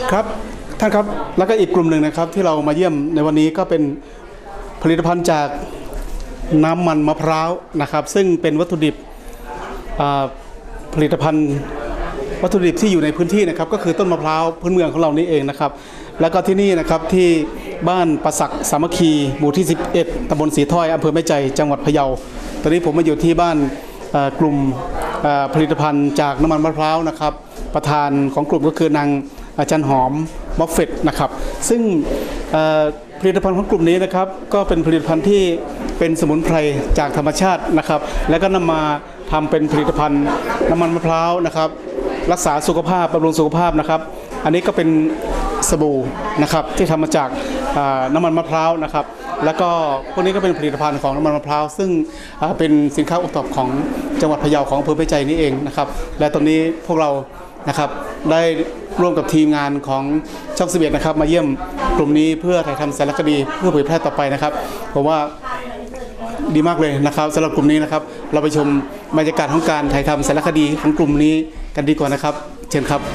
ครับท่านครับแล้วก็อีกกลุ่มหนึ่งนะครับที่เรามาเยี่ยมในวันนี้ก็เป็นผลิตภัณฑ์จากน้ำมันมะพร้าวนะครับซึ่งเป็นวัตถุดิบผลิตภัณฑ์วัตถุดิบที่อยู่ในพื้นที่นะครับก็คือต้นมะพร้าวพื้นเมืองของเรานี่เองนะครับแล้วก็ที่นี่นะครับที่บ้านประสักสามัคคีหมู่ที่11ตำบลสีถ้อยอำเภอแม่ใจจังหวัดพะเยาตอนนี้ผมมาอยู่ที่บ้านกลุ่มผลิตภัณฑ์จากน้ำมันมะพร้าวนะครับประธานของกลุ่มก็คือนางอาจารย์หอมมอฟเฟตนะครับซึ่งผลิตภัณฑ์ของกลุ่มนี้นะครับก็เป็นผลิตภัณฑ์ที่เป็นสมุนไพรจากธรรมชาตินะครับแล้วก็นำมาทำเป็นผลิตภัณฑ์น้ำมันมะพร้าวนะครับรักษาสุขภาพบำรุงสุขภาพนะครับอันนี้ก็เป็นสบู่นะครับที่ทำมาจากน้ำมันมะพร้าวนะครับแล้วก็พวกนี้ก็เป็นผลิตภัณฑ์ของน้ำมันมะพร้าวซึ่งเป็นสินค้าโอท็อปของจังหวัดพะเยาของอำเภอแม่ใจนี่เองนะครับและตอนนี้พวกเรานะครับได้ร่วมกับทีมงานของช่อง11นะครับมาเยี่ยมกลุ่มนี้เพื่อถ่ายทำสารคดีเพื่อเผยแพร่ต่อไปนะครับผมว่าดีมากเลยนะครับสำหรับกลุ่มนี้นะครับเราไปชมบรรยากาศของการถ่ายทำสารคดีของกลุ่มนี้กันดีกว่านะครับเชิญครับ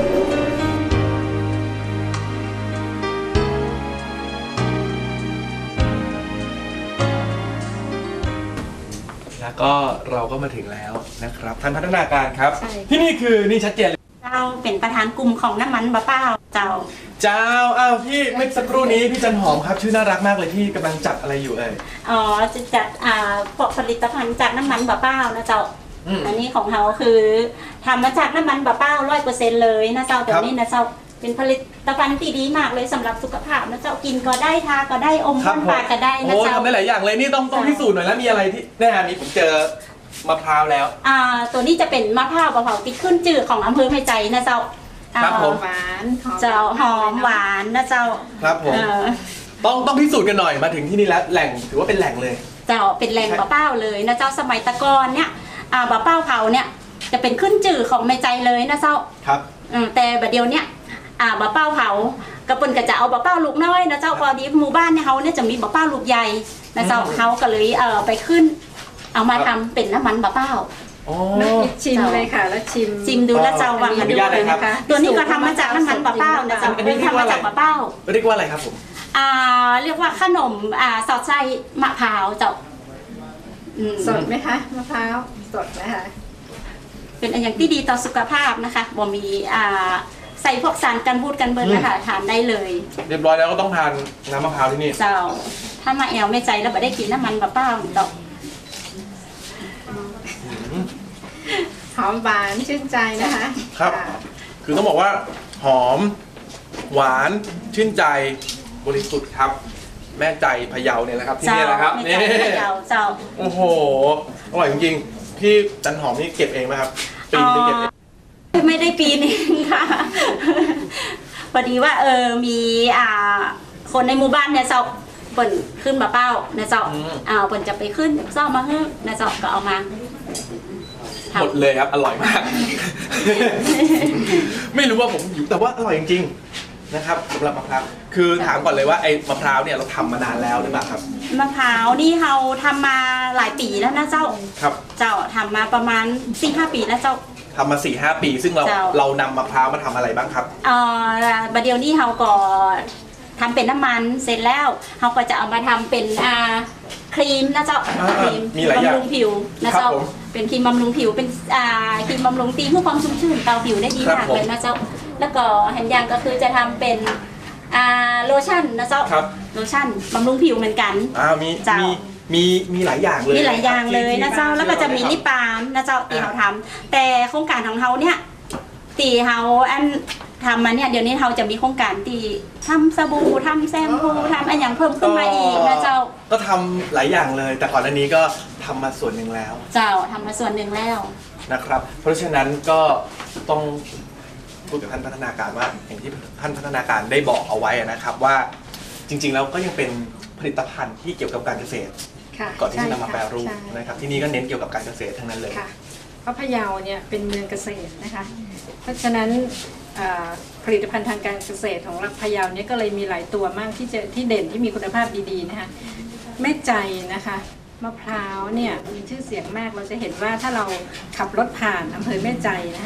แล้วก็เราก็มาถึงแล้วนะครับท่านพัฒนาการครับที่นี่คือนี่ชัดเจนเลยเจ้าเป็นประธานกลุ่มของน้ำมันมะพร้าวเจ้าอ้าวพี่เมื่อสักครู่นี้พี่จันหอมครับชื่อน่ารักมากเลยพี่กำลังจัดอะไรอยู่อ๋อจะจัดผลิตภัณฑ์จากน้ำมันมะพร้าวนะเจ้าอันนี้ของเขาคือทำมาจากน้ำมันมะพร้าว100%เลยนะเจ้าแต่นี่นะเจ้าเป็นผลิตภัณฑ์ที่ดีมากเลยสำหรับสุขภาพนะเจ้ากินก็ได้ทาก็ได้อมบ้านปากก็ได้นะเจ้าทำได้หลายอย่างเลยนี่ต้องพิสูจน์หน่อยแล้วมีอะไรที่แน่นี้ผมเจอมะพร้าวแล้วตัวนี้จะเป็นมะพร้าวเผาที่ขึ้นจืดของอำเภอแม่ใจนะเจ้าครับผมหวานเจ้าหอมหวานนะเจ้าครับผมต้องพิสูจน์กันหน่อยมาถึงที่นี่แล้วแหล่งถือว่าเป็นแหล่งเลยเจ้าเป็นแหล่งมะพร้าวเลยนะเจ้าสมัยตะกอนเนี่ยมะพร้าวเผาเนี่ยจะเป็นขึ้นจืดของแม่ใจเลยนะเจ้าครับแต่บัดเดียวเนี่ยมะพร้าวเผากระปุนก็จะเอามะพร้าวลูกน้อยนะเจ้าพอดีหมู่บ้านเนี่ยเขาเนี่ยจะมีมะพร้าวลูกใหญ่นะเจ้าเขาก็เลยไปขึ้นเอามาทำเป็นน้ำมันมะพร้าวชิมเลยค่ะแล้วชิมดูแล้วเจ้าวังกันด้วยนะคะตัวนี้ก็ทำมาจากน้ำมันมะพร้าวนะเจ้าทำมาจากมะพร้าวเรียกว่าอะไรครับผมเรียกว่าขนมสอดไส้มะพร้าวเจ้าสดไหมคะมะพร้าวสดนะคะเป็นอย่างที่ดีต่อสุขภาพนะคะบ่มีใส่พวกสารกันบูดกันเบิร์นนะคะทานได้เลยเรียบร้อยแล้วก็ต้องทานน้ำมะพร้าวที่นี่เจ้าถ้ามาแอวไม่ใจแล้วไม่ได้กินน้ำมันมะพร้าวดอกหอมหวานชื่นใจนะคะครับคือต้องบอกว่าหอมหวานชื่นใจบริสุทธิ์ครับแม่ใจพะเยาเนี่ยนะครับที่นี่นะครับนี่พะเยาเจ้าโอ้โหอร่อยจริงๆพี่จันหอมนี่เก็บเองไหมครับปีนเก็บเองไม่ได้ปีนึงค่ะพอดีว่ามีคนในหมู่บ้านเนี่ยเจ้าเปิ่นขึ้นมะพร้าวนะเจ้าเปิ่นจะไปขึ้นซ่อมมาให้นะเจ้าก็เอามาหมดเลยครับอร่อยมากไม่รู้ว่าผมอยู่แต่ว่าอร่อยจริงๆนะครับสำหรับมะพร้าวคือถามก่อนเลยว่าไอ้มะพร้าวเนี่ยเราทำมานานแล้วหรือเปล่าครับมะพร้าวนี่เราทำมาหลายปีแล้วนะเจ้าครับเจ้าทำมาประมาณ 4-5 ปีแล้วเจ้าทำมา 4-5 ปีซึ่งเรานำมะพร้าวมาทำอะไรบ้างครับบัดเดียวนี้เราก็ทำเป็นน้ำมันเสร็จแล้วเราก็จะเอามาทำเป็นครีมนะเจ้าครีมบำรุงผิวนะเจ้าเป็นครีมบำรุงผิวเป็นครีมบำรุงตีเพื่อความชุ่มชื่นเตาผิวได้ดีมากเลยนะเจ้าแล้วก็แห่งอย่างก็คือจะทำเป็นโลชั่นนะเจ้าโลชั่นบำรุงผิวเหมือนกันมีหลายอย่างเลยมีหลายอย่างเลยนะเจ้าแล้วก็จะมีลิปบาล์มนะเจ้าตีเขาทำแต่โครงการของเขาเนี่ยตีเขาทำมาเนี่ยเดี๋ยวนี้เราจะมีโครงการตีทำสบู่ทำแชมพูทำอะไรอย่างเพิ่มขึ้นมาอีกนะเจ้าก็ทำหลายอย่างเลยแต่ก่อนหน้านี้ก็ทำมาส่วนหนึ่งแล้วเจ้าทำมาส่วนหนึ่งแล้วนะครับเพราะฉะนั้นก็ต้องพูดกับท่านพัฒนาการว่าอย่างที่ท่านพัฒนาการได้บอกเอาไว้นะครับว่าจริงๆแล้วก็ยังเป็นผลิตภัณฑ์ที่เกี่ยวกับการเกษตรก่อนที่จะนำมาแปรรูปนะครับที่นี่ก็เน้นเกี่ยวกับการเกษตรทั้งนั้นเลยเพราะพะเยาเนี่ยเป็นเมืองเกษตรนะคะเพราะฉะนั้นผลิตภัณฑ์ทางการเกษตรของพะเยาเนี่ยก็เลยมีหลายตัวมากที่เด่นที่มีคุณภาพดีๆนะคะแม่ใจนะคะมะพร้าวเนี่ยมีชื่อเสียงมากเราจะเห็นว่าถ้าเราขับรถผ่านอำเภอแม่ใจนะคะ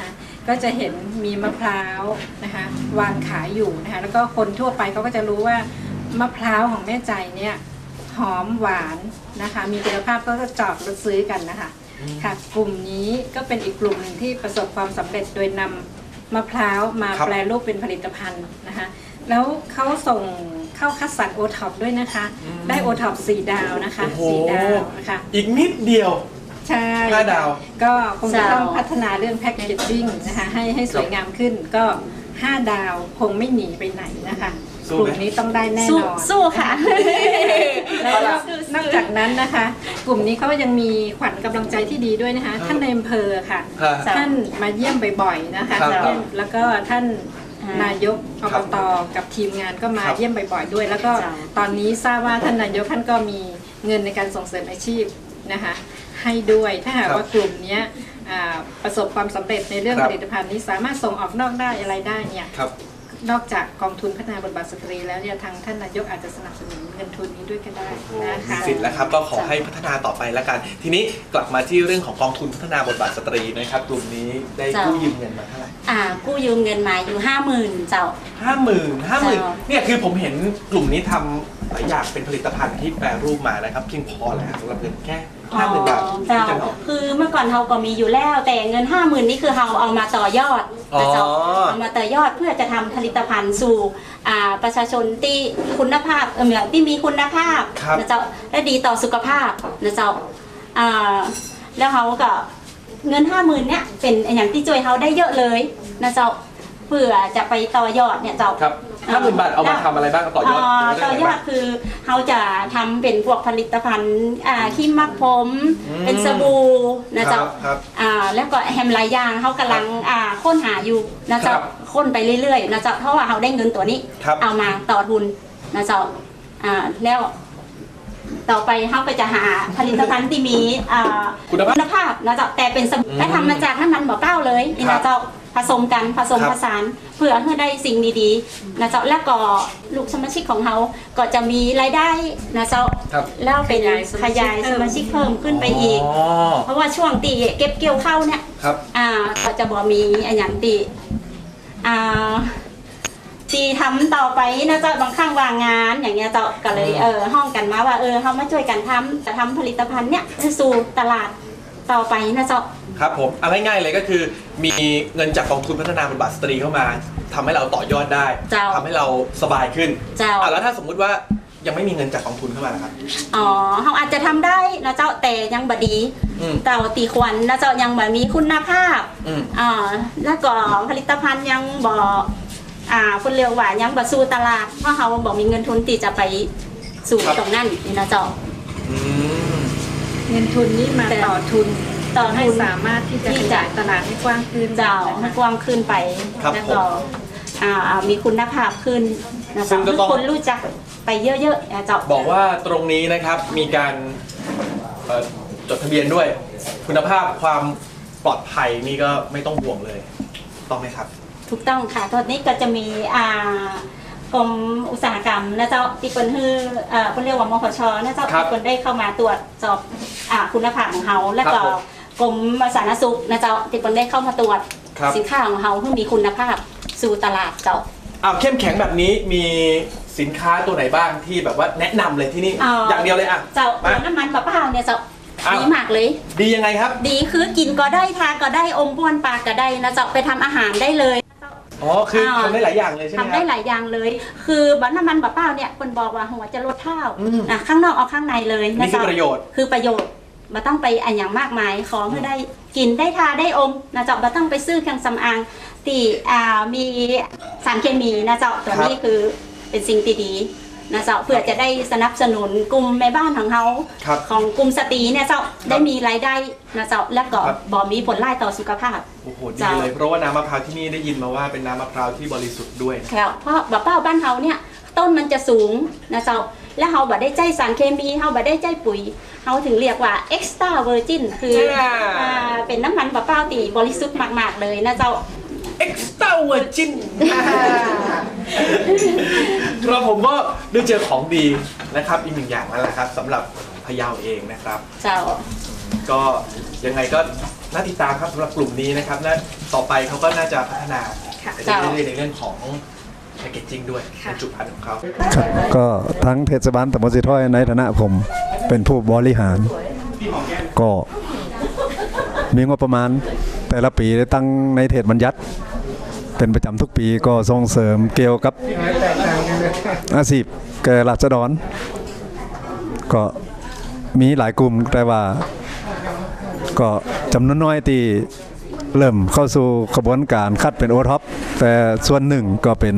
ก็จะเห็นมีมะพร้าวนะคะวางขายอยู่นะคะแล้วก็คนทั่วไปเขาก็จะรู้ว่ามะพร้าวของแม่ใจเนี่ยหอมหวานนะคะมีคุณภาพก็จะจอดรถซื้อกันนะคะค่ะกลุ่มนี้ก็เป็นอีกกลุ่มหนึ่งที่ประสบความสำเร็จโดยนำมะพร้าวมาแปรรูปเป็นผลิตภัณฑ์นะคะแล้วเขาส่งเข้าคัดสรรโอท็อปด้วยนะคะได้โอท็อป4 ดาวนะคะโอ้โห 4 ดาวนะคะอีกนิดเดียวใช่ 5 ดาวก็คงจะต้องพัฒนาเรื่องแพ็กเกจจิ้งนะคะให้สวยงามขึ้นก็ 5 ดาวคงไม่หนีไปไหนนะคะกลุ่มนี้ต้องได้แน่นอนสู้ค่ะแล้วนอกจากนั้นนะคะ กลุ่มนี้เขายังมีขวัญกำลังใจที่ดีด้วยนะคะ ท่านในอำเภอค่ะ ท่านมาเยี่ยมบ่อยๆนะคะครับแล้วก็ท่านนายกอบตกับทีมงานก็มาครับเยี่ยมบ่อยๆด้วย แล้วก็ตอนนี้ทราบว่าท่านนายกท่านก็มีเงินในการส่งเสริมอาชีพนะคะให้ด้วยถ้าหากว่ากลุ่มเนี้ยประสบความสำเร็จในเรื่องผลิตภัณฑ์นี้สามารถส่งออกนอกได้อะไรได้เนี่ยครับนอกจากกองทุนพัฒนาบทบาทสตรีแล้วเนี่ยทางท่านนายกอาจจะสนับสนุนเงินทุนนี้ด้วยก็ได้นะคะสิทธิ์แล้วครับก็ขอให้พัฒนาต่อไปแล้วกัน ทีนี้กลับมาที่เรื่องของกองทุนพัฒนาบทบาทสตรีนะครับกลุ่มนี้ได้กู้ยืมเงินมาเท่าไหร่กู้ยืมเงินมาอยู่ 50,000 เจ้า 50,000เนี่ยคือผมเห็นกลุ่มนี้ทำหลายอย่างเป็นผลิตภัณฑ์ที่แปรรูปมานะครับเพียงพอแล้วสำหรับเงินแค่50,000 บาทเจ้าที่จะเอาคือเมื่อก่อนเราก็มีอยู่แล้ว แต่เงิน 50,000 นี่คือเราเอามาต่อยอดนะเจ้าอ๋อเอามาต่อยอดเพื่อจะทำผลิตภัณฑ์สู่ประชาชนที่คุณภาพที่มีคุณภาพครับนะเจ้าและดีต่อสุขภาพนะเจ้าแล้วเขาก็เงิน 50,000 เนี่ยเป็นอย่างที่ช่วยเขาได้เยอะเลยนะเจ้าเพื่อจะไปต่อยอดเนี่ยเจ้าครับ50,000 บาทเอามาทำอะไรบ้างต่อยอดต่อยอดคือเขาจะทำเป็นพวกผลิตภัณฑ์ครีมมักผมเป็นสบู่นะเจ้าครับแล้วก็แฮมหลายอย่างเขากำลังค้นหาอยู่นะเจ้าครับค้นไปเรื่อยๆนะเจ้าเพราะว่าเขาได้เงินตัวนี้ครับเอามาต่อทุนนะเจ้าแล้วต่อไปเขาก็จะหาผลิตภัณฑ์ที่มีคุณภาพนะเจ้าแต่เป็นสบู่และทำมาจากน้ำมันบ่อเก้าเลยนี่ครันะบเจ้าผสมกันผสมครับผสานเพื่อให้ได้สิ่งดีๆนะเจ้าและก็ลูกสมาชิกของเขาก็จะมีรายได้นะเจ้าครับแล้วเป็นขยายสมาชิกเพิ่มขึ้นไปอีกอ๋อเพราะว่าช่วงตีเก็บเกี่ยวเข้าวเนี่ยครับก็จะบอกมีอันอย่างตีตีทำต่อไปนะเจ้าบางครั้งวางงานอย่างเงี้ยเจ้าก็เลยห้องกันมาว่าเขามาช่วยกันจะทำผลิตภัณฑ์เนี่ยสู่ตลาดต่อไปนะเจ้าครับผมเอาง่ายๆเลยก็คือมีเงินจากกองทุนพัฒนาบทบาทสตรีเข้ามาทำให้เราต่อยอดได้เจ้าทำให้เราสบายขึ้นเจ้าแล้วถ้าสมมุติว่ายังไม่มีเงินจากกองทุนเข้ามานะครับเขาอาจจะทำได้นะเจ้าแต่ยังบดีอืมเต่าตีควันนะเจ้ายังแบบมีคุณภาพอืมแล้วก็ผลิตภัณฑ์ยังคนเรียกว่ายังบ่สู่ตลาดเพราะเขาบอกมีเงินทุนที่จะไปสู่ตรงนั้นนี่นะเจ้าอืมเงินทุนนี้มาต่อทุนต่อทุนให้สามารถที่จะขยายตลาดให้กว้างขึ้นเจ้าให้กว้างขึ้นไปครับแล้วก็มีคุณภาพขึ้นนะซึ่เจ้างก็ต้องคนรู้จักไปเยอะๆนะเจ้าบอกว่าตรงนี้นะครับมีการจดทะเบียนด้วย คุณภาพความปลอดภัยนี่ก็ไม่ต้องห่วงเลยต้องไหมครับถูกต้องค่ะตอนนี้ก็จะมีกรมอุตสาหกรรมนะเจ้าที่คนฮือคนเรียกว่ามพชนะเจ้าครับที่คนได้เข้ามาตรวจสอบคุณภาพของเขาแล้วก็ครับผมกรมสาธารณสุขนะเจ้าที่คนได้เข้ามาตรวจครับสินค้าของเขาเพื่อมีคุณภาพสู่ตลาดเจ้าเข้มแข็งแบบนี้มีสินค้าตัวไหนบ้างที่แบบว่าแนะนำเลยที่นี่อย่างเดียวเลยอ่ะเจ้ามาน้ำมันมะพร้าวเนี่ยเจ้าอ้าวดีมากเลยดียังไงครับดีคือกินก็ได้ทานก็ได้อมบ้วนปากก็ได้นะเจ้าไปทำอาหารได้เลยอ๋อคือทำได้หลายอย่างเลยใช่ไหมทำคได้รับหลายอย่างเลย คือบัตรน้ำมันบะเป้าเนี่ยคนบอกว่าหัวจะลดเท่าอืมข้างนอกเอาข้างในเลยนี่คือเจ้าประโยชน์คือประโยชน์มาต้องไปอันอย่างมากมายของให้ได้กินได้ทาได้อมนะเจ้ามาต้องไปซื้อเครื่องสำอางที่มีสารเคมีนะเจ้าตัวนี้คือเป็นสิ่งที่ดีนะเจ้าเพื่อจะได้สนับสนุนกลุ่มแม่บ้านของเขาครับของกลุ่มสตรีเนี่ยเจ้าได้มีรายได้นะเจ้าและก็ครับบ่มีผลร้ายต่อสุขภาพโอ้โหดีจ้ะเลยเพราะว่าน้ำมะพร้าวที่นี่ได้ยินมาว่าเป็นน้ำมะพร้าวที่บริสุทธิ์ด้วยนะครับเพราะบะเป้าบ้านเฮาเนี่ยต้นมันจะสูงนะเจ้าและเฮาบ่ได้ใจสารเคมีเฮาบ่ได้ใจปุ๋ยเฮาถึงเรียกว่า extra virgin คือเป็นน้ำมันบะเป้าที่บริสุทธิ์มากๆเลยนะเจ้า extra virgin ครับผมก็ได้เจอของดีนะครับอีกหนึ่งอย่างนั่นแหละครับสำหรับพะเยาเองนะครับเจ้าก็ยังไงก็น่าติดตามครับสำหรับกลุ่มนี้นะครับและต่อไปเขาก็น่าจะพัฒนาไปเรื่อยๆในเรื่องของแพคเกจจิ้งด้วยบรรจุภัณฑ์ของเขาครับก็ทั้งเทศบาลตำบลสีถ้อยในฐานะผมเป็นผู้บริหาร ก็มีงบประมาณแต่ละปีได้ตั้งในเทศบัญญัติเป็นประจำทุกปีก็ส่งเสริมเกี่ยวกับอาชีพแก่ราษฎรก็มีหลายกลุ่มแต่ว่าก็จำนวนน้อยที่เริ่มเข้าสู่กระบวนการคัดเป็นโอท็อปแต่ส่วนหนึ่งก็เป็น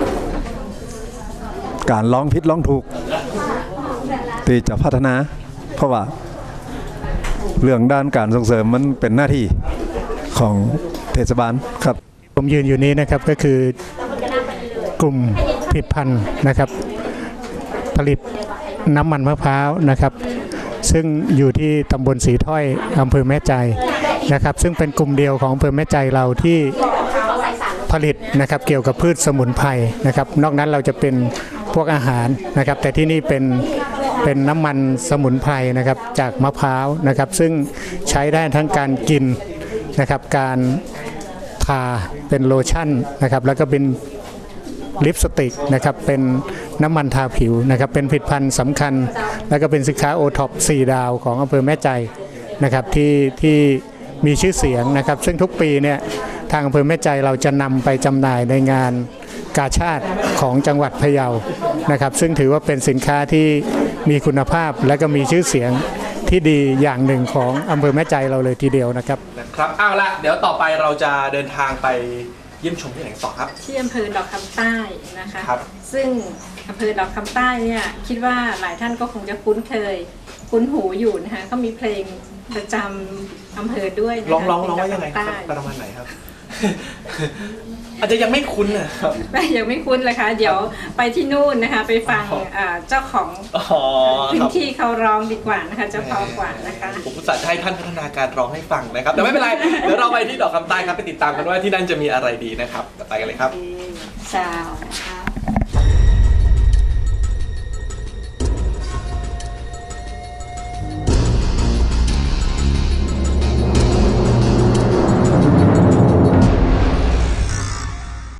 การลองผิดลองถูกที่จะพัฒนาเพราะว่าเรื่องด้านการส่งเสริมมันเป็นหน้าที่ของเทศบาลครับผมยืนอยู่นี้นะครับก็คือกลุ่มผลิตภัณฑ์นะครับผลิตน้ำมันมะพร้าวนะครับซึ่งอยู่ที่ตำบลสีถ้อยอำเภอแม่ใจนะครับซึ่งเป็นกลุ่มเดียวของอำเภอแม่ใจเราที่ผลิตนะครับเกี่ยวกับพืชสมุนไพรนะครับนอกนั้นเราจะเป็นพวกอาหารนะครับแต่ที่นี่เป็นน้ำมันสมุนไพรนะครับจากมะพร้าวนะครับซึ่งใช้ได้ทั้งการกินนะครับการทาเป็นโลชั่นนะครับแล้วก็เป็นลิปสติกนะครับเป็นน้ำมันทาผิวนะครับเป็นผลิตภัณฑ์สำคัญแล้วก็เป็นสินค้าโอท็อป4 ดาวของอำเภอแม่ใจนะครับที่มีชื่อเสียงนะครับซึ่งทุกปีเนี่ยทางอำเภอแม่ใจเราจะนำไปจำหน่ายในงานกาชาดของจังหวัดพะเยานะครับซึ่งถือว่าเป็นสินค้าที่มีคุณภาพและก็มีชื่อเสียงที่ดีอย่างหนึ่งของอำเภอแม่ใจเราเลยทีเดียวนะครับเอาละเดี๋ยวต่อไปเราจะเดินทางไปเยี่ยมชมที่ไหนต่อครับที่อำเภอดอกคำใต้นะคะครับซึ่งอำเภอดอกคำใต้เนี่ยคิดว่าหลายท่านก็คงจะคุ้นเคยคุ้นหูอยู่นะคะก็มีเพลงประจำอำเภอด้วยนะคะร้องว่ายังไงครับประมาณไหนครับ อาจจะยังไม่คุ้นนะครับยังไม่คุ้นเลยค่ะเดี๋ยวไปที่นู่นนะคะไปฟังเจ้าของพื้นที่เขาร้องดีกว่านะคะเจ้าของกว่านะคะผมอุตส่าห์จะให้ท่านพัฒนาการร้องให้ฟังนะครับแต่ไม่เป็นไร เดี๋ยวเราไปที่ดอกคำใต้ครับไปติดตามกันว่าที่นั่นจะมีอะไรดีนะครับไปกันเลยครับชาว